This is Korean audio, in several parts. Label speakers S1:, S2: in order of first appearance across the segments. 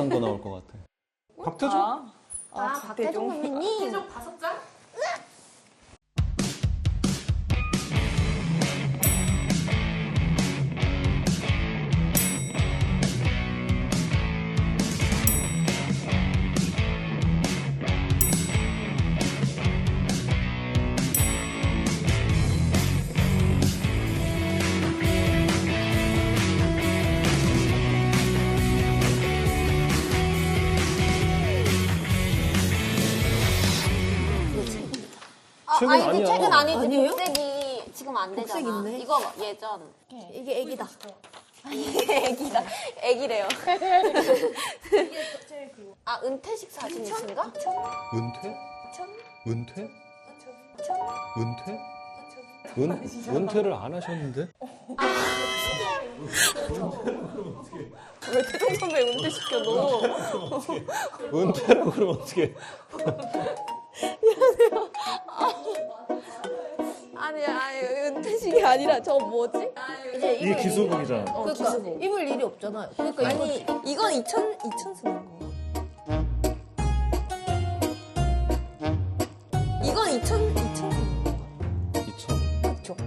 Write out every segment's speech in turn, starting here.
S1: 이상한 거 나올 것 같아. 박태종?
S2: 박태종 선배님.
S3: 박태종 5장?
S1: 최근
S2: 아니,
S1: 아니야.
S2: 최근 아니지.
S3: 아니에요?
S2: 복색이 지금 안 되잖아.
S3: 복색 있네.
S2: 이거 예전.
S3: 이게 애기다.
S2: 이게 애기다. 애기래요. 아, 은퇴식 사진이신가?
S1: 은퇴? 은퇴? 은퇴? 은퇴를 안 하셨는데?
S2: 왜 태종 선배 은퇴시켜, 너?
S1: 은퇴라고 그러면 어떡해.
S2: 아니, 은퇴식이 아니라 저 뭐지?
S3: 이제
S1: 이게 기수복이잖아.
S3: 그러니까 입을 일이 없잖아요. 그러니까
S2: 아니, 이건 2000 쓰는 거. 이건 2000 쓰는 거.
S1: 2000.
S2: 그쵸?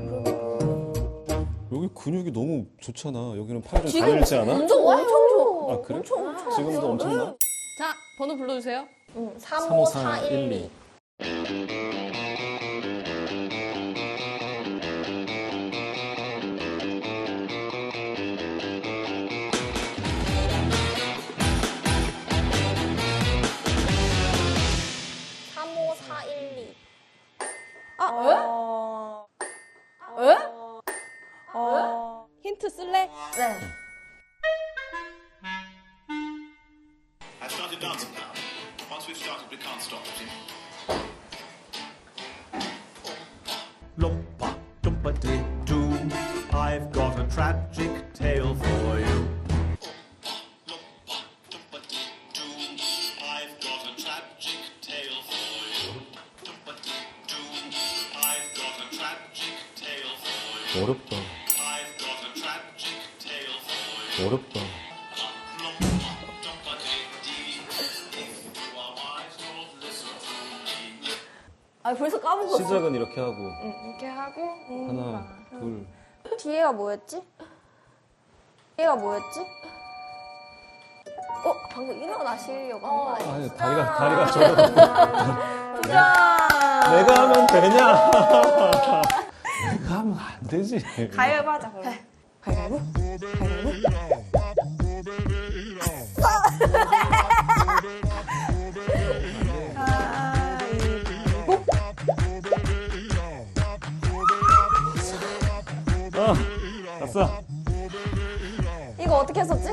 S1: 여기 근육이 너무 좋잖아. 여기는 팔이 좀
S2: 지금
S1: 가늘지 않아?
S2: 엄청 좋아.
S1: 아, 그래? 지금도 엄청나?
S4: 자, 번호 불러주세요.
S2: 35412.
S4: 힌트 쓸래?
S3: 네.
S5: I started dancing now. Once we've started, we can't stop it.
S6: Lumpa, dumpa dee doo. I've got a tragic tale for you.
S5: I've got a tragic tale for you. I've got a tragic tale for you.
S1: 어렵다.
S5: I've got a tragic tale for you.
S1: 어렵다.
S5: If you are wise, don't listen to me.
S3: 아 벌써 까먹었어.
S1: 시작은 이렇게 하고.
S2: 이렇게 하고.
S1: 하나, 둘.
S2: 뒤에가 뭐였지? 뒤에가 뭐였지? 방금 일어나시려고 한 거 아니야?
S1: 아니, 다리가 저러.
S2: 도전!
S1: 내가 하면 되냐? 내가 하면 안 되지.
S2: 가위바위보 하자, 그럼. 가위바위보?
S1: 아싸.
S2: 이거 어떻게 했었지?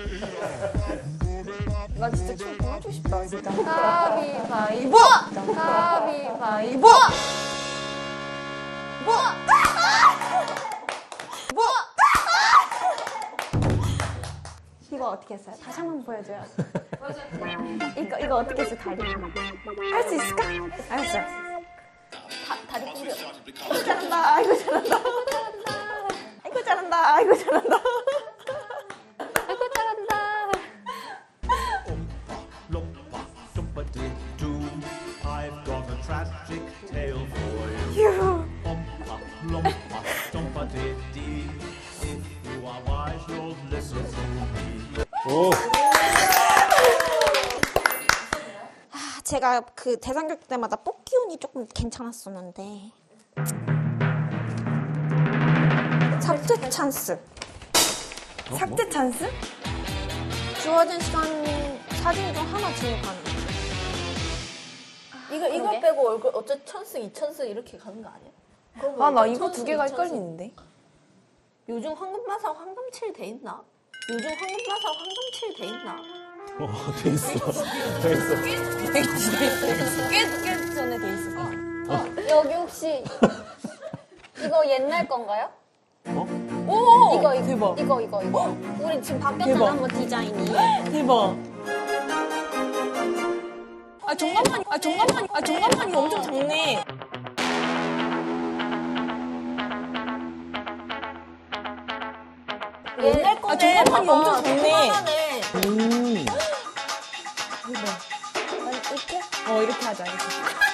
S2: 나 진짜 춤 그만 추고 싶다, 진짜. 가위바위보! 가위바위보! 이거 어떻게 했어요? 다시 한 번 보여줘요. 이거 어떻게 했어요, 다리? 할 수 있을까? 알았어. 다리
S5: Once
S2: 꾸겨.
S5: we've started, we can't
S2: 잘한다. 아이고 잘한다. 아이고 잘한다. 아이고 잘한다. 아이고 잘한다.
S6: Lumpa, dumpa dee doo. I've got a tragic tale for you. Lumpa, dumpa dee dee. If you are wise, you'll listen to me.
S1: 오.
S2: 제가 그 대상교육 때마다 뽑기 운이 조금 괜찮았었는데. 삭제 찬스.
S3: 삭제 찬스?
S2: 주어진 시간 사진 중 하나 지목하는.
S3: 이거
S2: 그러게.
S3: 빼고 얼굴 어째 1000승, 2000승 이렇게 가는 거 아니야?
S4: 아, 나 이거 두 개가 헷갈리는데.
S3: 요즘 황금마사 황금칠 돼 있나? 요즘 황금마사 황금칠 돼 있나?
S1: 돼 있어. 돼 있어.
S4: 꽤 전에 돼 있을 거야.
S2: 여기 혹시 이거 옛날 건가요?
S4: 오!
S2: 이거
S4: 대박.
S2: 이거. 우리 지금 바뀌었잖아,
S4: 대박.
S2: 한번 디자인이.
S4: 대박. 정답만 이거 엄청 작네.
S3: 옛날 거네.
S4: 정답만이
S3: 봐봐.
S4: 엄청 작네.
S3: 조그만하네.
S2: 이렇게?
S4: 이렇게 하자. 이렇게.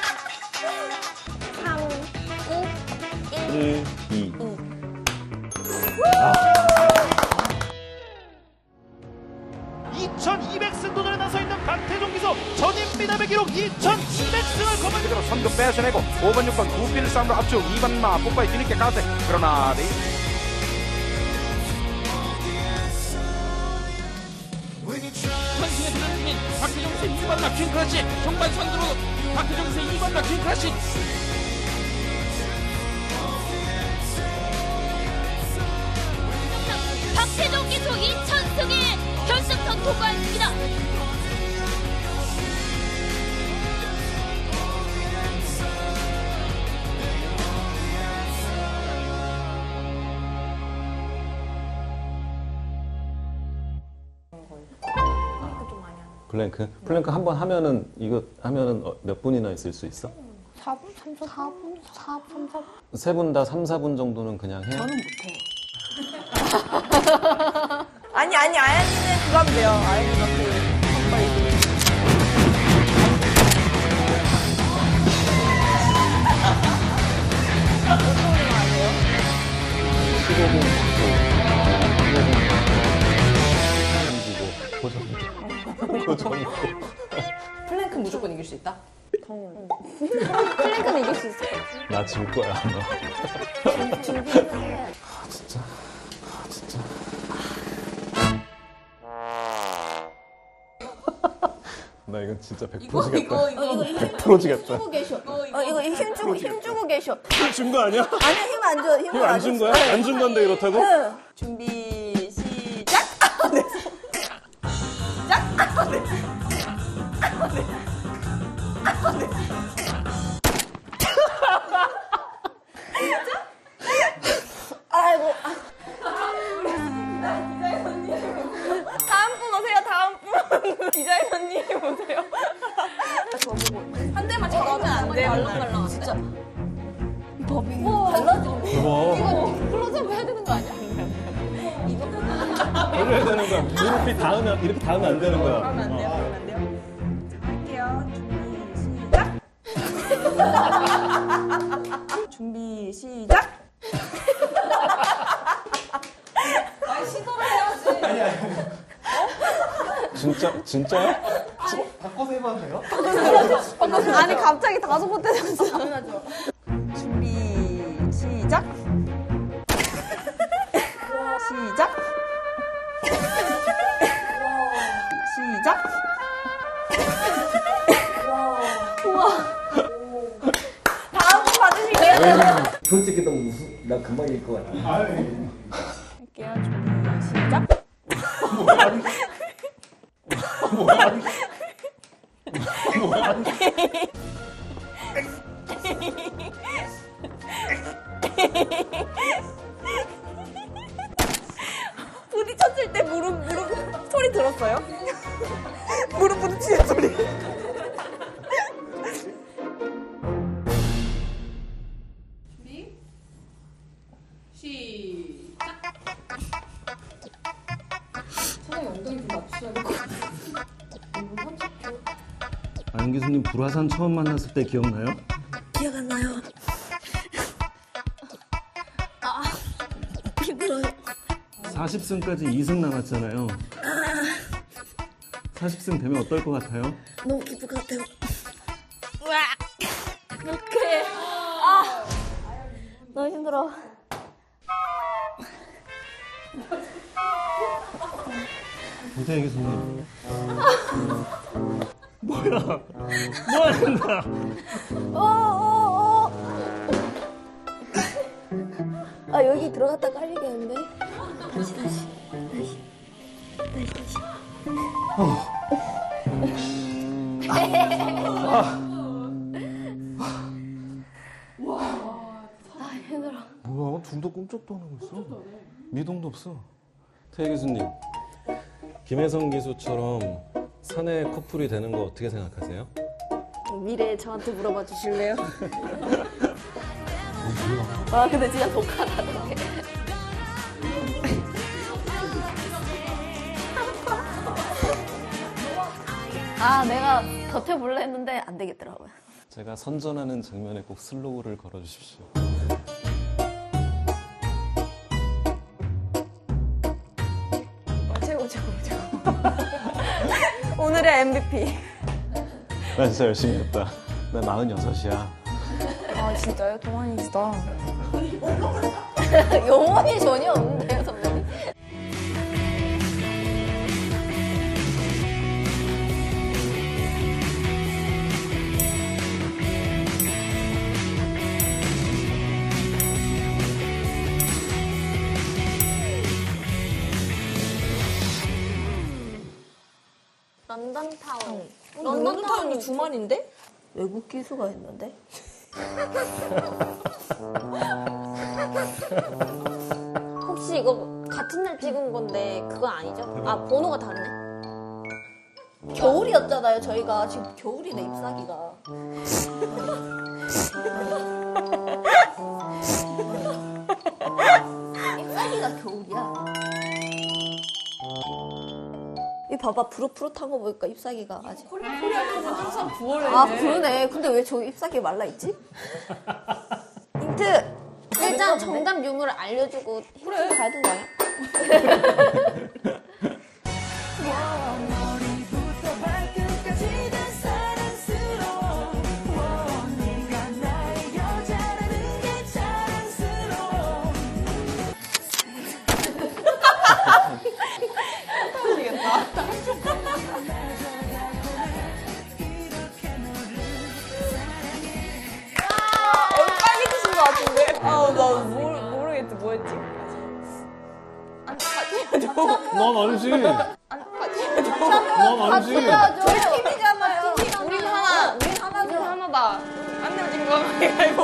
S2: 3, 2,
S1: 1, 2.
S6: 2200승 도전에 나서 있는 박태종 기수 전임 미남의 기록 2700승을 거머쥐고
S7: 그대로 선두 뺏어내고 5번 6번 구필 싸움으로 앞쪽 2번 마 뽀빠이 뒤늦게 가세 그러나
S8: 선승의 도전중인 박태종 기수의 2번 락킹 크러쉬 종반 선두로 박태종 기수의 2번 락킹 크러쉬
S9: 박태종 기수 2000승에 결승선 통과했습니다.
S1: 플랭크? 플랭크 한 번 하면은, 이거 하면은 몇 분이나 있을 수 있어?
S2: 4분, 3, 4분, 4분, 4분.
S1: 세 분 다 3, 4분 정도는 그냥 해요?
S3: 저는 못해.
S4: 아니, 아연이는 그거 하면 돼요. 아연이가 정말 이거.
S3: 플랭크 무조건 이길 수 있다?
S2: 플랭크는 이길 수 있을 것 같아.
S1: 나 질 거야, 아마. 나 이건 진짜 100% 지겠다. 100% 지겠다.
S2: 이거 힘주고 계셔.
S1: 준 거 아니야?
S2: 아니야, 힘 안 줘. 힘
S1: 힘 안 준 거야? 안 준 건데 이렇다고?
S4: 준비, 시작!
S2: 아이고.
S4: 다음 분 오세요, 다음 분. 디자이너님 오세요. 한 대만 잡으면 안 돼요. 말랑말랑. 진짜.
S1: 대박.
S2: 클로즈업 해야 되는 거 아니야?
S1: 올려야 되는 거야. 무릎이 닿으면, 이렇게 닿으면 안 되는 거야.
S4: 그러면 안 돼요, 그러면 안 돼요. 할게요. 준비, 시작! 준비, 시작!
S1: 진짜야?
S2: 아니, 갑자기 5번 때렸어.
S4: 준비, 시작! 시작! 시작! 다음 분 받으실게요.
S10: 솔직히 너무 나 금방 이길 것 같아.
S4: 할게요. 준비, 시작! 부딪혔을 때 무릎 소리 들었어요? 무릎 부딪히는 소리.
S1: 안 교수님 불화산 처음 만났을 때 기억나요?
S2: 기억 안 나요. 힘들어요.
S1: 40승까지 2승 남았잖아요. 40승 되면 어떨 것 같아요?
S2: 너무 기쁠 것 같아요.
S3: 어떡해.
S2: 너무 힘들어.
S1: 이태희 교수님. 뭐야? 뭐 하는 거야?
S2: 아, 여기 들어갔다 깔리겠는데? 다시.
S1: 뭐야? 둘도 꿈쩍도 안 하고 있어. 미동도 없어. 태희 교수님, 김혜성 기수처럼 사내 커플이 되는 거 어떻게 생각하세요?
S2: 미래에 저한테 물어봐 주실래요?
S3: 와, 근데 진짜 독하다. 아, 내가 버텨볼래 했는데 안 되겠더라고요.
S1: 제가 선전하는 장면에 꼭 슬로우를 걸어주십시오.
S4: 최고. 오늘의 MVP.
S1: 나 진짜 열심히 했다. 나 46이야.
S4: 아, 진짜요? 동안이시다.
S3: 영혼이 전혀 없는데요, 선배님. 런던타운.
S4: 런던타운이 주말인데?
S3: 외국 기수가 있는데? 혹시 이거 같은 날 찍은 건데 그거 아니죠? 아, 번호가 다르네. 겨울이었잖아요, 저희가. 지금 겨울이네, 잎사귀가. 잎사귀가 겨울이야. 이 봐봐, 푸릇푸릇한 거 보니까 잎사귀가 아직.
S4: 코리아는 항상 9월에.
S3: 아, 그러네. 근데 왜 저기 잎사귀 말라있지? 힌트! 일단 정답 유무를 알려주고 힌트 가야 되는 거 아니야?
S4: 빨리 드신 것 같은데? 아, 나 모르겠지. 뭐였지?
S1: 넌 아니지. 넌 아니지.
S3: 저희 팀이잖아요.
S4: 우린 하나. 우린 하나다. 안 내어진 거 가위바위보.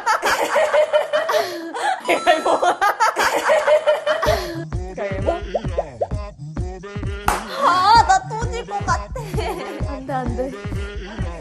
S4: 가위바위보.
S3: 아, 나 또 질 것 같아. 안 돼, 안 돼.